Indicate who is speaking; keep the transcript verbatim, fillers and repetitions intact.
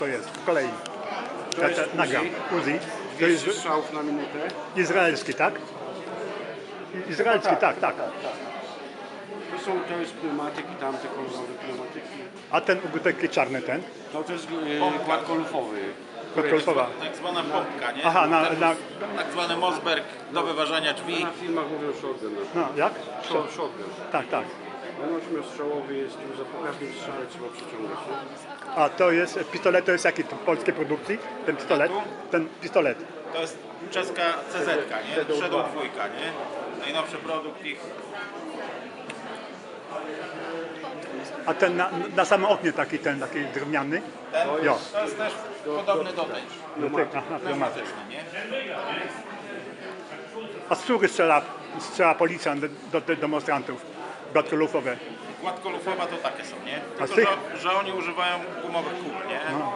Speaker 1: To jest w kolei.
Speaker 2: To
Speaker 1: Ja
Speaker 2: jest
Speaker 1: te- nagram. Uzi. To jest
Speaker 2: dwieście strzałów na minutę.
Speaker 1: izraelski, tak? I- Izraelski, tak, tak.
Speaker 2: To są, to jest pneumatyk i tamte kolorowe pneumatyki.
Speaker 1: A ten taki czarny ten?
Speaker 2: No to jest e, gładkolufowy.
Speaker 1: Kotkolfowa.
Speaker 3: Tak zwana pompka, nie?
Speaker 1: Aha, na, na,
Speaker 3: Tak zwany Mosberg do wyważania drzwi.
Speaker 2: Na filmach mówią shotgun.
Speaker 1: no, jak?
Speaker 2: Shot, shotgun.
Speaker 1: Tak, tak.
Speaker 2: On ośmiostrzałowy jest, tu za po każdym strzale trzeba przyciągać. Nie?
Speaker 1: A to jest, pistolet to jest jaki? To polskiej produkcji? Ten pistolet? Ten pistolet.
Speaker 3: To jest czeska C Z, nie? Shadow dwójka, nie? Najnowszy produkt ich.
Speaker 1: A ten na, na samym oknie taki, ten taki drewniany?
Speaker 3: Ten
Speaker 1: Jo.
Speaker 3: to jest też podobny do tej.
Speaker 1: No ty, aha, pneumatyk.
Speaker 3: Pneumatyczny, nie?
Speaker 1: A z których strzela, strzela policjant do, do, do demonstrantów? Gładkolufowe.
Speaker 3: Gładkolufowa to takie są, nie?
Speaker 1: A z
Speaker 3: Tylko,
Speaker 1: tych?
Speaker 3: że, że oni używają gumowych kul, nie?